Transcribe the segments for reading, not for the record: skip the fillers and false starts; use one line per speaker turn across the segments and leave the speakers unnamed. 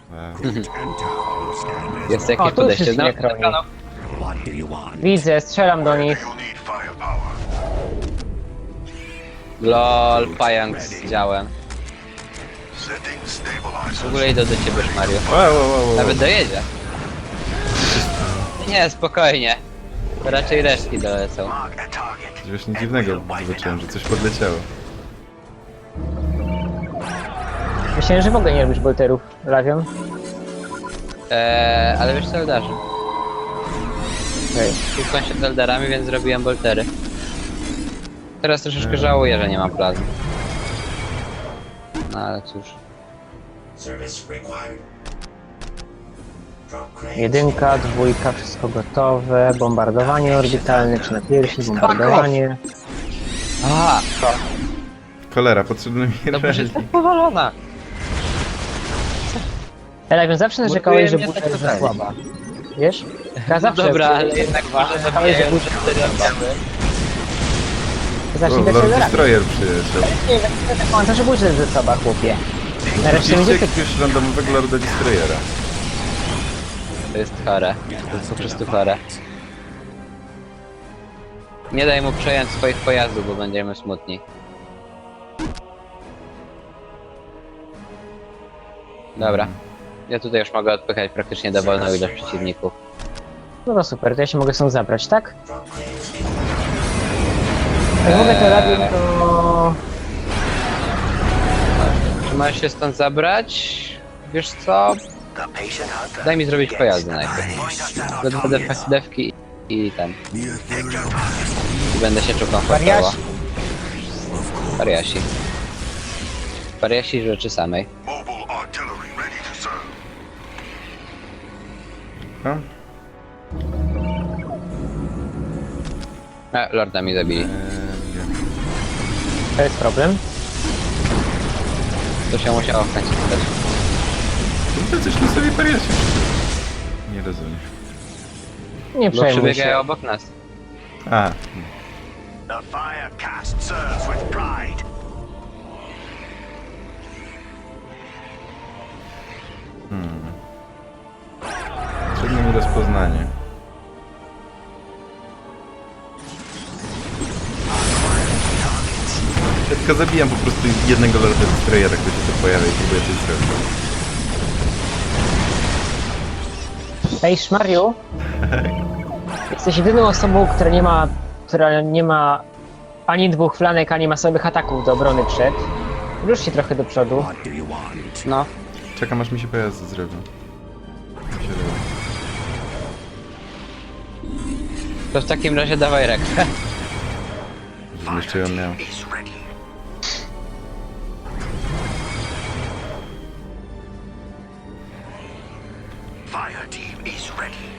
Jest jakieś
tu już
podejście.
jest elektronik. Widzę, strzelam do nich.
LOL, pająk z działem. W ogóle idę do ciebie, Mario. Nawet dojedzie. Nie, spokojnie. To raczej resztki dolecą.
Coś właśnie dziwnego zobaczyłem, że coś podleciało.
Myślałem, że w ogóle nie robisz bolterów, Lawion.
Ale wiesz co, Eldarze?
Okej.
Kłócą się z Eldarami, więc zrobiłem boltery. Teraz troszeczkę żałuję, że nie mam plazmy. No ale cóż.
Jedynka, dwójka, wszystko gotowe. Bombardowanie orbitalne, czy na piersi, bombardowanie.
A,
Cholera, potrzebny mi
no bo
reli.
jest tak powalona.
Lawion, zawsze narzekałeś, że
Buduje mnie
burza
tak
jest za
totalnie.
słaba. Wiesz? Ja zawsze
Dobra, ale jednak może
narzekałeś, że burza jest za słaba. Zacznij
O,
dać
Lord
radę.
Destroyer przyjeżdżał.
Nie, do końca, że burza jest za słaba, chłopie. Nareszcie
Widzicie
będzie
jakiegoś randomowego Lorda Destroyera.
To jest chore. To jest po prostu chore. Nie daj mu przejąć swoich pojazdów, bo będziemy smutni. Dobra. Ja tutaj już mogę odpychać praktycznie dowolną ilość przeciwników.
No to super, to ja się mogę stąd zabrać, tak? Jak mogę to robić, to...
Czy masz się stąd zabrać? Wiesz co? Daj mi zrobić pojazdy najpierw. Będę dewki i ten. I będę się czuł komfortowo.
Wariasi.
Wariasi. Wariasi rzeczy samej.
No?
A, Lorda mi zabili.
To jest problem.
To się musiało w końcu stać.
To coś na sobie pariacie. Nie rozumiem.
Nie
Bo
przejmuj
przebiegają
się.
obok nas.
A,
The fire cast serves with pride.
potrzebne mi rozpoznanie. Ja tylko zabijam po prostu jednego Lorda Destroyera, który się tu pojawia i próbuję coś zrobić.
Ej, Szmariu, jesteś jedyną osobą, która nie ma ani dwóch flanek, ani masowych ataków do obrony przed. Rusz się trochę do przodu.
No.
Czekam aż mi się pojazdy zrobią. Mi się robi.
To w takim razie dawaj rekwę.
Żebym jeszcze ją miał.
Is ready. Fire team is ready.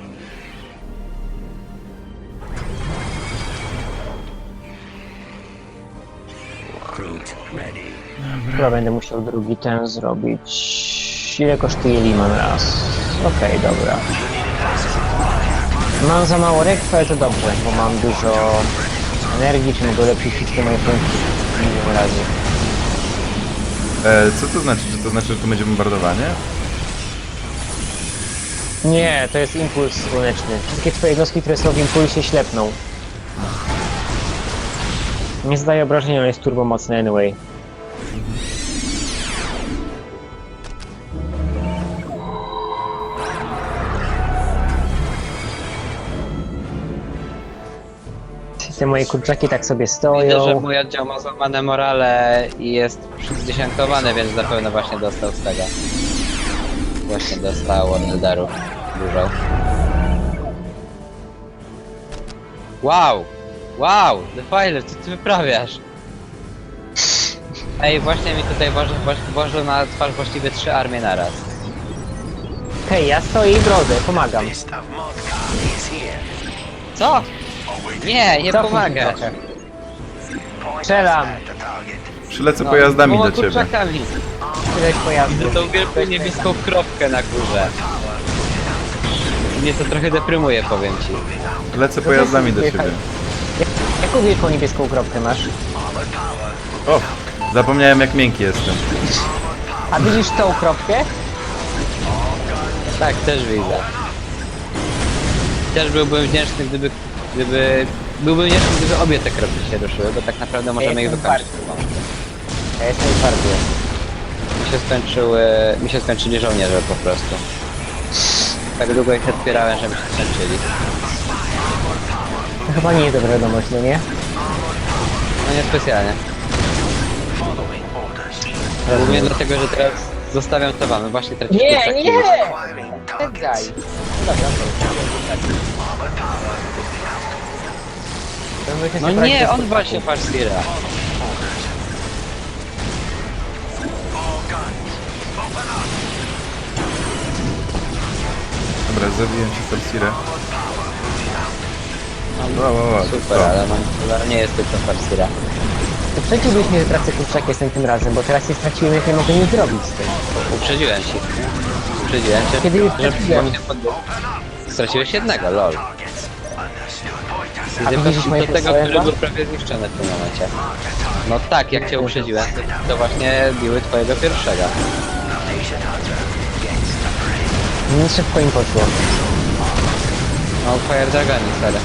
Recruit ready.
Chyba będę musiał drugi ten zrobić. Ile kosztuje Liman raz? Okej, dobra. Mam za mało rekwy, ale to dobrze, bo mam dużo energii, czy mogę lepiej wszystkie moje punkty milion razy.
Co to znaczy? Czy to znaczy, że tu będzie bombardowanie?
Nie, to jest impuls słoneczny. Wszystkie twoje jednostki, które są w impulsie, ślepną. Nie zdaje obrażenia, ale jest turbomocny anyway. Te moje kurczaki tak sobie
Widzę, że
stoją.
mój oddział ma złamane morale i jest zdziesiątkowany, więc zapewne właśnie dostał z tego. Właśnie dostał od Eldarów dużo. Wow! Wow! Defiler, co ty wyprawiasz? Ej, właśnie mi tutaj włożył na twarz właściwie 3 armie naraz.
Hej, ja stoję i brodę, pomagam.
List of Modka is here.
Co? Nie, nie
Cofnij
pomagę.
się trochę.
Point
Strzelam.
us at the target.
Przylecę pojazdami do ciebie.
kurczakami.
Tyle pojazdu.
Tą wielką niebieską kropkę na górze. Mnie to trochę deprymuje, powiem ci.
Lecę pojazdami do ciebie.
Jaką wielką niebieską kropkę masz?
O! Zapomniałem jak miękki jestem.
A widzisz tą kropkę?
Tak, też widzę. Też byłbym wdzięczny, byłbym wdzięczny, gdyby obie te kropki się ruszyły, bo tak naprawdę możemy ich
jestem
wykończyć.
Ja jestem twardy.
Mi się skończyli żołnierze po prostu. Tak długo ich odpierałem, żeby się skończyli.
To chyba nie jest dobra wiadomość, no nie?
No nie specjalnie. Głównie dlatego, że teraz zostawiam to wam, właśnie tracisz kurczaki.
Nie!
Tak daj. No nie, on właśnie Farsira.
Dobra, zabiłem ci Farsirę.
Super, ale nie jest tylko Farsira.
To przeciwbyś mnie, że tracę kurczak jestem tym razem, bo teraz je straciłem, jak nie mogę nic zrobić z tym.
Uprzedziłem się. Uprzedziłem cię,
Kiedy już
że
straciłem?
właśnie straciłeś jednego, lol.
A widzisz moje
Do tego,
pistolet?
który był prawie zniszczony w tym momencie. No tak, jak cię uprzedziłem, to właśnie biły twojego pierwszego.
Nie szybko im poszło.
No, Fire Dragoni, sorry.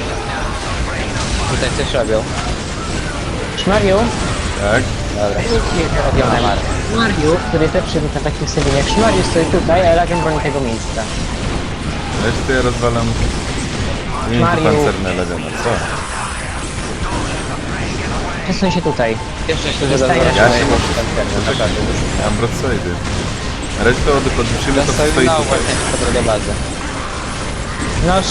Tutaj coś robią.
Szmariu,
Tak?
Dobra.
robione Mar. Szmariu, który jest lepszy na takich ustawieniach. Szmariu stoi tutaj, a Elagion broni tego miejsca.
Resztę ja rozwalam... Nie
Mario.
pancerne lewiona, co?
Przesuń się tutaj.
Jeszcze się
Zostaje
dodało.
Ja się muszę... Mam broadside. Resztę od podwyższymy to
Dostał
stoi
na
tutaj.
właśnie do bazy.
Noż,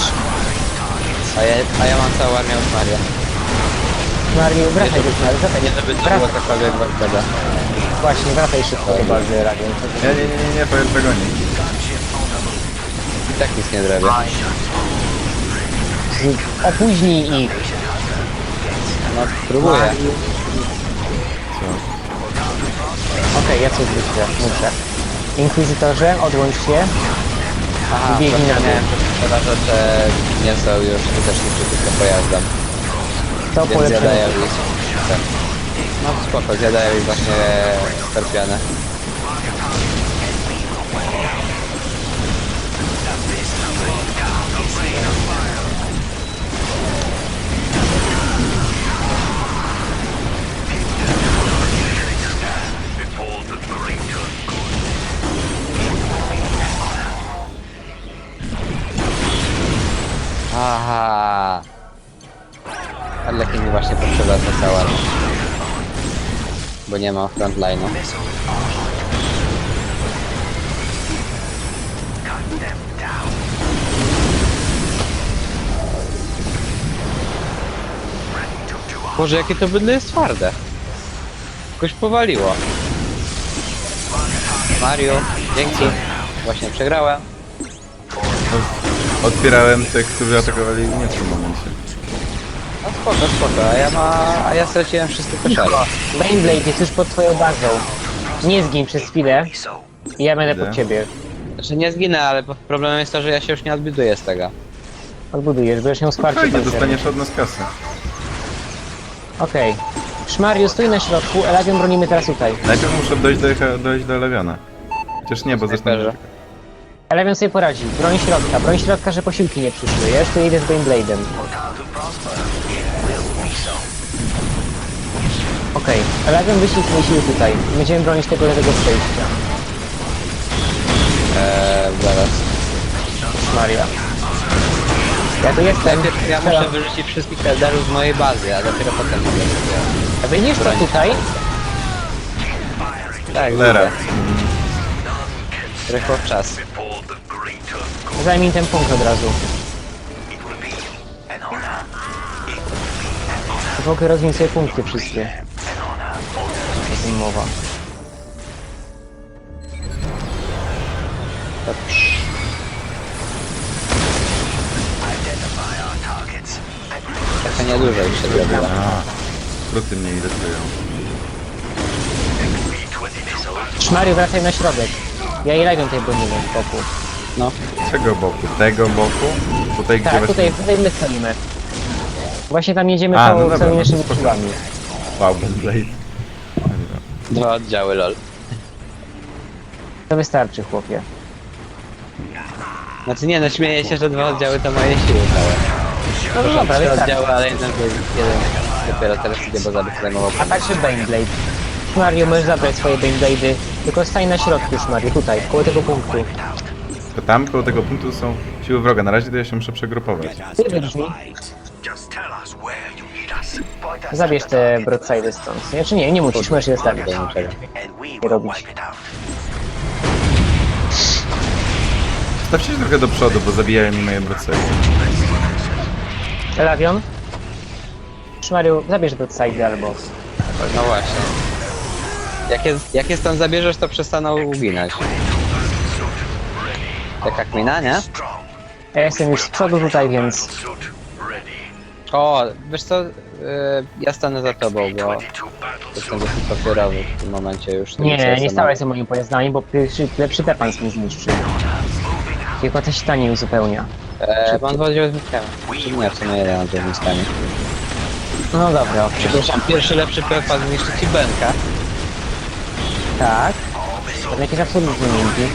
A ja mam całą armię od Maria.
Szmariu, wracaj do Szmariu, wracaj.
Nie żeby to było
Wracaj.
cokolwiek ważnego.
Właśnie, wracaj szybko do bazy Elagion.
Nie, Fire Dragoni.
I tak nic nie zrobię.
Opóźnij ich.
No, próbuję.
Co?
Okej, ja coś wyślę, muszę. Inkwizytorze, odłącz się.
Aha,
Biegnij na dół.
zapomniałem, że przeważacze nie są już skuteczni przeciwko pojazdom.
To
Więc
polepszenie.
zjadają ich. Tak. No spoko, zjadają ich właśnie skorpiony. Aha. Arlekin mi właśnie potrzeba za cała. Bo nie ma frontline'u. Boże, jakie to bydle jest twarde. Jakoś powaliło. Mario, dzięki. Właśnie przegrałem.
Otwierałem tych, którzy atakowali mnie w tym momencie.
No spoko, a ja straciłem wszystkie koszary.
Baneblade jest już pod twoją bazą. Nie zgin przez chwilę. I ja będę pod ciebie.
Znaczy nie zginę, ale problemem jest to, że ja się już nie odbuduję z tego.
Odbudujesz, będziesz miał wsparcie
Fajnie,
pancerne.
dostaniesz od nas kasę.
Okej. Szmariu, stój na środku, Elagion bronimy teraz tutaj.
Najpierw muszę dojść do lewiona. Chociaż nie, bo zresztą...
Snajperze.
Elagion sobie poradzi. Broń środka, że posiłki nie przyszły. Ja już tu idę z Baneblade'em. Okej, Elagion wyślij swoje siły tutaj. Będziemy bronić tego lewego przejścia.
Zaraz.
Szmaria. Ja tu jestem.
Najpierw ja muszę wyrzucić wszystkich elderów z mojej bazy, a dopiero potem mogę sobie...
A wyjdziesz to tutaj?
Tak,
Cholera.
widzę. Rychło w czas.
Zajmij ten punkt od razu. Mogę rozwinąć sobie punkty wszystkie. O tym mowa.
Trochę niedużo już się zrobiło.
Skróty mnie irytują.
Szmariu, wracaj na środek. Ja i Elagion tutaj bronimy w boku.
No.
Czego boku? Tego boku? Tutaj gdzie
Tak,
właśnie...
tutaj my stoimy. Właśnie tam jedziemy
A, no dobra,
całymi
no
naszymi
spoko.
siłami.
Wow, Blade.
2 oddziały, lol.
To wystarczy, chłopie.
Znaczy nie, no śmieję się, że 2 oddziały to moje siły całe.
No dobra,
3
wystarczy.
oddziały, ale jeden dopiero teraz idzie, bo zabyt zajmował.
A także Baneblade. Szmariu, możesz zabrać swoje Baneblade'y, tylko stań na środku, Szmariu, tutaj, koło tego punktu.
To tam koło tego punktu są siły wroga. Na razie to ja się muszę przegrupować.
Ty wybrzmi,
Just tell us where you need us. Point us
zabierz te broadside'y stąd. Znaczy nie musisz, możesz je zostawić.
Do niczego.
and we
Nie
will
robić.
wipe it out.
Stawcie się trochę do przodu, bo zabijają mi moje brocery.
Elavion? Szmariu, zabierz broadside'y albo...
No właśnie. Jak je stąd zabierzesz, to przestaną uginać. Taka kmina, nie?
Ja jestem już z przodu tutaj, więc...
O, wiesz co? Ja stanę za tobą, bo jestem dosyć papierowy w tym momencie już.
Nie stałeś za moimi pojazdami, bo lepszy Pepan mi zniszczy. Tylko coś stanie uzupełnia.
Mam 2 oddziały z miskami. Czy nie, w sumie jeden oddział z miskami.
No dobra, okej.
Przepraszam, pierwszy lepszy Pepan zniszczy ci Benka.
Tak. To jakieś absolutnie miękkie.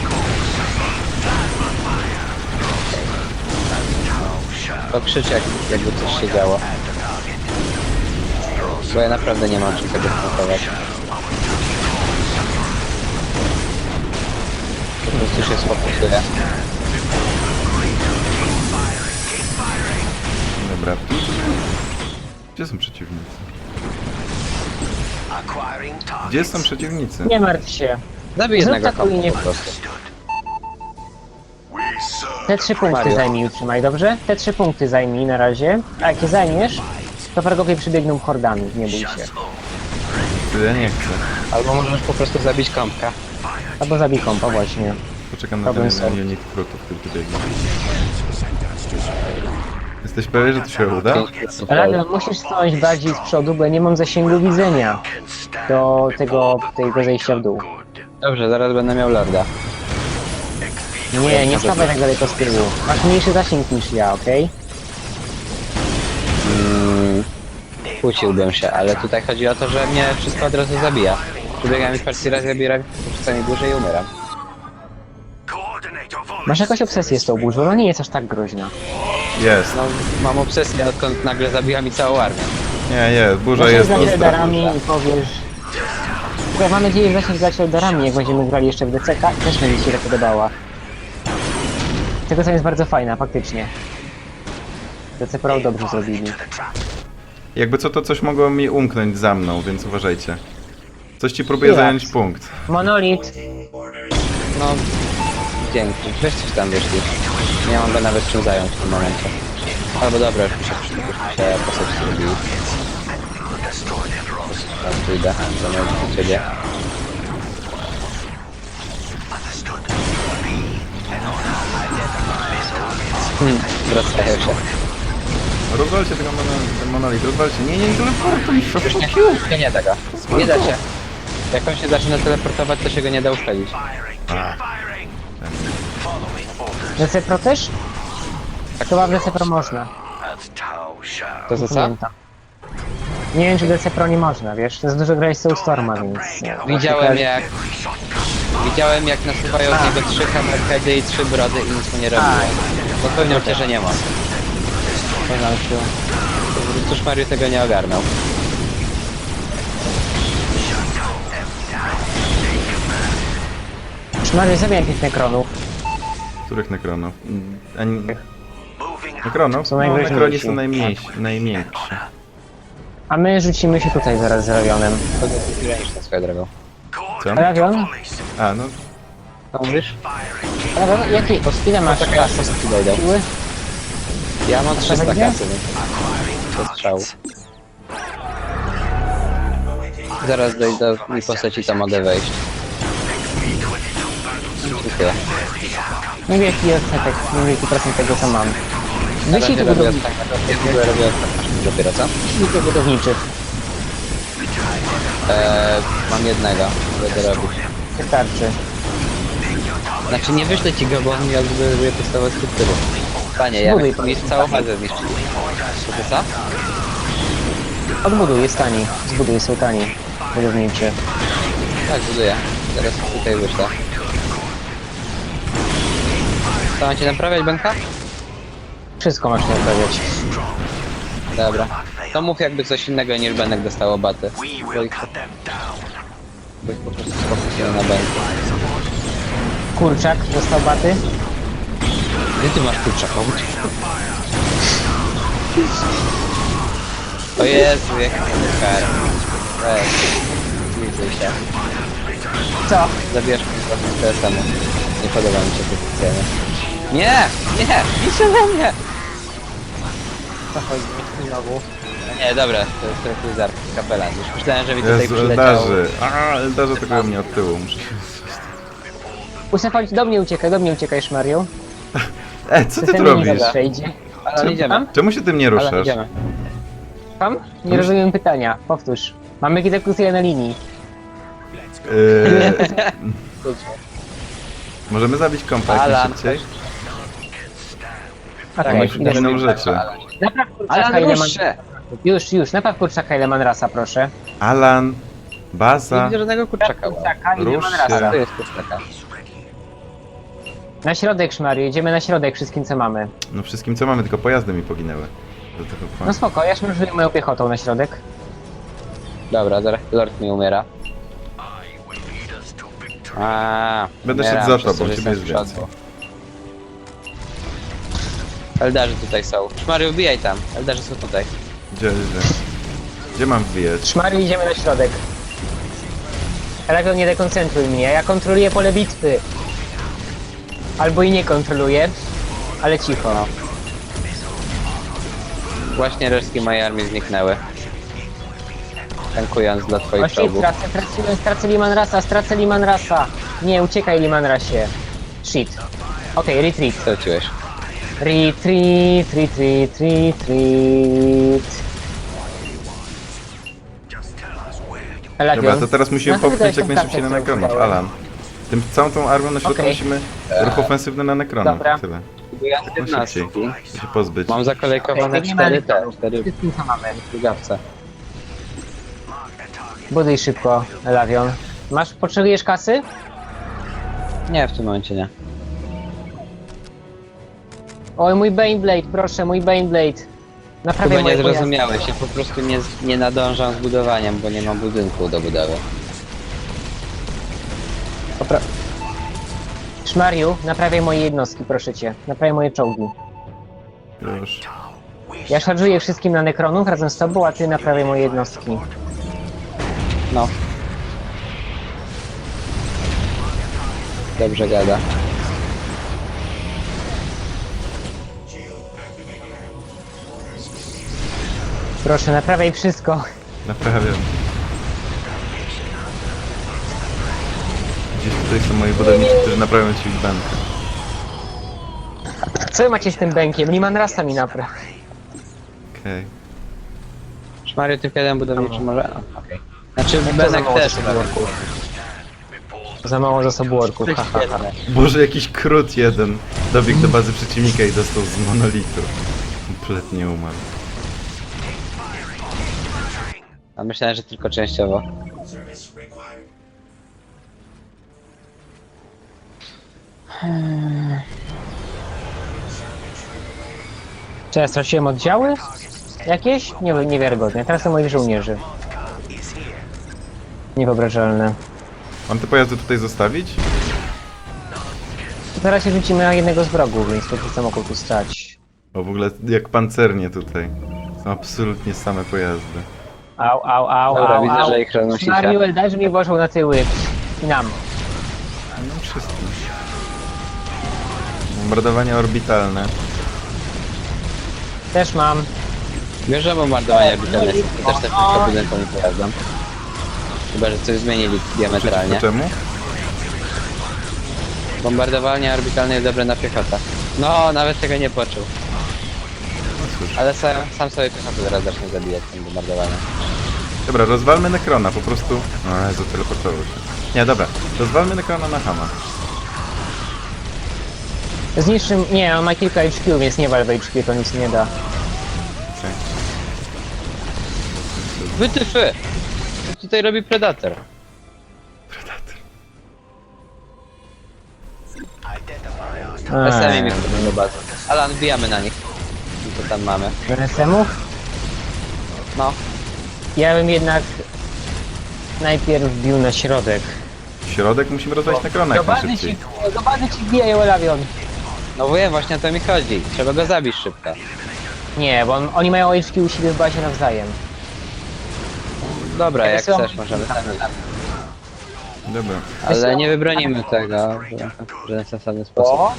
To krzycz jakby coś się działo. Bo ja naprawdę nie mam czym tego skontrować. Po prostu się sfokusuję.
Dobra. Gdzie są przeciwnicy?
Acquiring target.
Gdzie są przeciwnicy?
Nie martw się.
Zabij
Zrób
jednego
taką
kompa
linię.
po prostu.
We serve.
Te 3 punkty
Mario.
zajmij i utrzymaj, dobrze? Te 3 punkty zajmij na razie. A jak je zajmiesz, to wrogowie przybiegną hordami, nie bój się.
Ja nie chcę.
Albo możesz po prostu zabić kąpka.
Albo zabij kompa właśnie.
Poczekam na
Problem
ten
solved.
unit krutów, który tu biegnie. Jesteś pewien, że to się uda?
Elavion, musisz stanąć bardziej z przodu, bo ja nie mam zasięgu widzenia do tego zejścia w dół.
Dobrze, zaraz będę miał lorda.
Nie stawaj tak daleko z tyłu. Masz mniejszy zasięg niż ja, okej?
Kłóciłbym się, ale tutaj chodzi o to, że mnie wszystko od razu zabija. Przybiegam mi partii raz, zabieram czasami dłużej i umieram.
Coordinate your volleys.
Masz jakąś obsesję z tą burzą, ona nie jest aż tak groźna.
Jest.
No, mam obsesję, odkąd nagle zabija mi całą armię.
Nie, burza
Zasięg
jest
za
ostra.
Eldarami i powiesz... Tylko mam nadzieję, że zasięg grać Eldarami, jak będziemy grali jeszcze w DCK, też będzie ci się to podobała. Tego co jest bardzo fajna, faktycznie. DC Pro dobrze zrobili.
Jakby co, to coś mogło mi umknąć za mną, więc uważajcie. Coś ci próbuje
Jak?
zająć punkt.
Monolit!
No, dzięki. Weźcie tam wyszli. Nie mam go nawet czym zająć w tym momencie. Albo dobra, już mi się postać zrobił. Teraz pójdę, zamiast do ciebie. Wracają się.
Rozwalcie tego ten monolit, rozwalcie. Nie teleportuj się.
Już nie da go. Nie da się. Jak on się zaczyna teleportować, to się go nie da uszkodzić.
DC Pro też? Chyba w DC Pro można.
To za co?
Pamiętam. Nie wiem, czy DC Pro nie można, wiesz? To jest dużo grać z Soulstorma, więc...
Widziałem jak nasuwają z niego 3 hammerheady i 3 brody i nic mu nie robiło. Zapewniał cię, że nie ma.
Porządku.
Po prostu Mario tego nie ogarnął.
Szmary, zabijam tych nekronów.
Których nekronów? Nekronów?
Są
No,
najgroźniejsi.
nekroni są najmniejsi.
A my rzucimy się tutaj zaraz z Ravionem.
To jest graniczne swoją drogą.
Co?
Ravion?
A, no.
Co mówisz?
Ravion, jakie? Ile masz
Taka
kasy?
postaci dojdą.
Siły?
Ja mam 300
będzie?
kasy, więc to strzał. Zaraz dojdę mi postaci tam mogę wejść. Dziękuję.
Nie wiem jaki odsetek, nie wiem jaki procent tego co mam. Wyślij tu
robię
budowniczych.
robię dopiero co?
Wyślij tu budowniczych.
Mam jednego, będę robić.
Wystarczy.
Znaczy nie wyślę ci go, bo on mi odbuduje podstawowe struktury. Panie, ja
Zbuduj
mi
pan.
całą bazę zniszczyli. To co?
Odbuduj, jest tani. Zbuduj, są tani. Budowniczy.
Tak, buduję. Teraz tutaj wyślę. Co, macie naprawiać Benka?
Wszystko masz nie naprawiać.
Dobra. To mów jakby coś innego niż Benek dostało baty.
We
Bo
will
ich,
cut them down.
bo ich po prostu sfokusują na Benku.
Kurczak dostał baty.
Gdzie ty masz kurczaka? O Jezu, jaki kar. Weź. Zlizuj się.
Co?
Zabierz mi trochę TSM-u. Nie podoba mi się to specjalnie. Nie! Nie! Pisze we mnie!
Co chodzi? Znowu.
No nie, dobra, to jest rekruzar, kapelan. Już myślałem, że mi tutaj
Jezu,
przyleciał.
Eldarzy. Eldarzy tego mnie od tyłu. Muszę się...
Usefać, do mnie uciekaj, Szmariu.
Co ty tu
System
robisz?
nie przejdzie.
Ale idziemy.
Czemu się tym nie
Ale
ruszasz?
idziemy.
Tam? Nie rozumiem pytania. Powtórz. Mamy egzekucję na linii.
Możemy zabić kompa jak
Alan,
najszybciej?
Okej,
Jakąś
idę.
inną rzeczy.
Napraw kurczaka,
Ale
ile man...
rusz się!
Już, napraw kurczaka, ile man rasa, proszę.
Alan,
Nie
baza.
widzę żadnego kurczaka.
Kurczaka, ile
Rusz
man
się.
rasa.
To jest kurczaka.
Na środek, Szmariu, jedziemy na środek wszystkim, co mamy.
No wszystkim co mamy, tylko pojazdy mi poginęły. Do tego
No spoko, ja szmarżuję moją piechotą na środek.
Dobra, zaraz Lord mi umiera. A,
Będę
umieram
szedł za
przez to,
tobą,
że
ciebie
jestem
jest
w przodu. Eldarzy tutaj są. Szmary, wbijaj tam. Eldarzy są tutaj.
Gdzie mam wbijać?
Szmariu, idziemy na środek. Elegon, nie dekoncentruj mnie, ja kontroluję pole bitwy. Albo i nie kontroluję, ale cicho.
No. Właśnie resztki mojej armii zniknęły. Tankując dla twoich
Właśnie
czołgów.
stracę Liman Rasa. Nie, uciekaj Liman Rasie. Shit. Okej, retreat.
Co wróciłeś?
Retreat. Elagion.
Dobra, to teraz musimy
Na chwilę
popchnąć jak
tą
najszybciej na
kartę
Nekronów.
wziąłem.
Alan. Całą tą armią na środku
Okej.
musimy ruch ofensywny na Nekronów.
Dobra.
Tyle.
Buduję
No
aktywności.
szybciej. Muszę się pozbyć.
Mam zakolejkowane
Okej, nie ma
4 te,
elektronów.
4
Wszystkim, co mamy.
drugawce.
Buduj szybko, Elavion. Potrzebujesz kasy?
Nie, w tym momencie nie.
Oj, mój Baneblade, proszę, mój Baneblade. Naprawię
Chyba nie
moje pojazdy.
zrozumiałeś, ja po prostu nie nadążam z budowaniem, bo nie mam budynku do budowy.
Szmariu, naprawiaj moje jednostki, proszę cię. Naprawiaj moje czołgi.
Już.
Ja szarżuję wszystkim na Nekronów razem z tobą, a ty naprawiaj moje jednostki.
No. Dobrze gada.
Proszę, naprawiaj wszystko.
Naprawiam. Gdzieś tutaj są moi budowniczy, którzy naprawią ci bankę.
Co wy macie z tym bękiem? Liman Rasa mi napraw.
Okej.
Szmario, tym jeden budowniczy może? No, okej. Znaczy,
za
Benek
mało
też.
zasobu orków. Za mało zasobu orków, haha.
Świetne.
Boże, jakiś krót jeden dobiegł do bazy przeciwnika i dostał z monolitu. Kompletnie umarł.
A myślałem, że tylko częściowo.
Czy ja straciłem oddziały? Jakieś? Niewiarygodne. Teraz są moich żołnierzy. Niewyobrażalne.
Mam te pojazdy tutaj zostawić?
Teraz się rzucimy na jednego z wrogów, więc to co mogą tu stać.
O, w ogóle jak pancernie tutaj. Są absolutnie same pojazdy.
Au,
Dobra, widzę, że ich roznosi się.
Szmariu, Eldarzy mnie włożą na tyły. I nam.
No wszystkim. Bombardowania orbitalne.
Też mam.
Wiesz, że bombardowanie orbitalne są też tylko budynkom i pojazdom. Chyba, że coś zmienili diametralnie.
Przeciwko czemu?
Bombardowanie orbitalne jest dobre na piechotę. No, nawet tego nie poczuł.
No cóż.
Ale sam sobie piechotę zaraz zacznę zabijać tym bombardowaniem.
Dobra, rozwalmy Nekrona, po prostu... O Jezu, teleportował się. Nie, dobra. Rozwalmy Nekrona na Hama.
Zniszczym... Nie, on ma kilka HQ, więc nie wal w HQ, to nic nie da.
Okej.
Wytyfy! Co tutaj robi Predator?
Predator.
SMI mi wchodzą do bazy. Alan, wbijamy na nich. I co tam mamy?
RSM-ów?
No,
Ja bym jednak najpierw wbił na środek.
Środek musimy rozwalić na krona jak najszybciej.
Do bazy ci wbijają Elavion.
no wiem, właśnie o to mi chodzi. Trzeba go zabić szybko.
Nie, bo oni mają HQ u siebie w bazie nawzajem.
Dobra, jak
Wysyłam-
chcesz, możemy tam iść.
Dobra.
Ale nie wybronimy tego w żaden sensowny sposób.
O,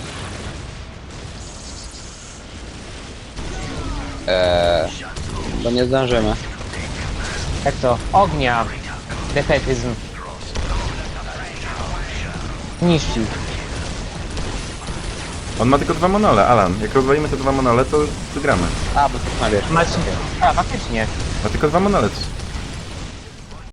Bo nie zdążymy.
jak to? Ognia. Defetyzm. Niszczy.
On ma tylko 2 monole, Alan. Jak rozwalimy te 2 monole, to wygramy.
A, bo tu ma wiesz.
Macie. A, faktycznie.
Ma tylko 2 monole.